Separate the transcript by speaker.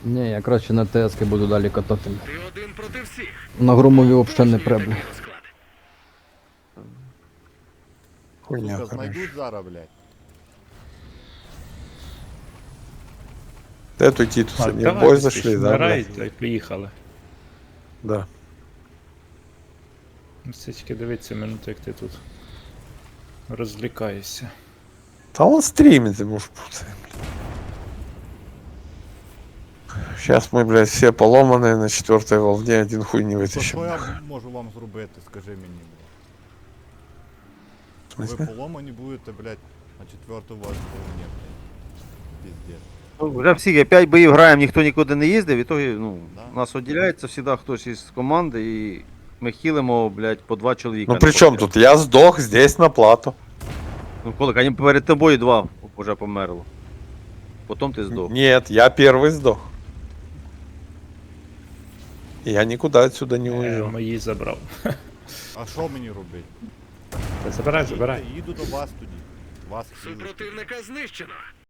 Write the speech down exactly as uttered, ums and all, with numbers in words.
Speaker 1: Ні, я краще на ТС буду далі катати.
Speaker 2: Ти один проти всіх.
Speaker 1: На громові взагалі не
Speaker 2: Точно
Speaker 1: преблю.
Speaker 2: такий розклад.
Speaker 3: Хуйня,
Speaker 4: Сука,
Speaker 3: короче.
Speaker 4: знайдуть зараз, блядь.
Speaker 3: Де тут Титус?
Speaker 5: А,
Speaker 3: Они в
Speaker 5: давай,
Speaker 3: бой
Speaker 5: быстрее,
Speaker 3: зашли, да,
Speaker 5: вмирають,
Speaker 3: блядь?
Speaker 5: та й поїхали.
Speaker 3: Да.
Speaker 5: Ну, це тільки дивиться минуту, як ти тут розвлікаєшся.
Speaker 3: Да он стримит, ему ж пуцай, блядь. Сейчас мы, блядь, все поломанные на четвертой волне, один хуй не
Speaker 4: То
Speaker 3: вытащим.
Speaker 4: що я
Speaker 3: нахуй.
Speaker 4: можу вам зробити, скажи мені, блядь.
Speaker 3: В
Speaker 4: Ви
Speaker 3: смысле?
Speaker 4: поломані будете, блядь, на четверту вас повні, блядь. Піздець.
Speaker 6: Ну, вже всі п'ять боїв граємо, ніхто нікуди не їздив, і тоді, ну,
Speaker 4: Да.
Speaker 6: нас відділяється завжди хтось із команди, і ми хілимо, блядь, по два чоловіка.
Speaker 3: Ну при чем тут? Я сдох здесь на плату.
Speaker 6: Ну, коли, вони перед тобою два вже померло. Потім ти здох.
Speaker 3: Нет, я первый сдох. Я никуда отсюда не
Speaker 5: Е,
Speaker 3: уезжал.
Speaker 5: мої забрав.
Speaker 4: А що мені робити?
Speaker 5: Та забирай, забирай.
Speaker 4: Їду до вас тоді. Вас хілити.
Speaker 2: Супротивника знищено.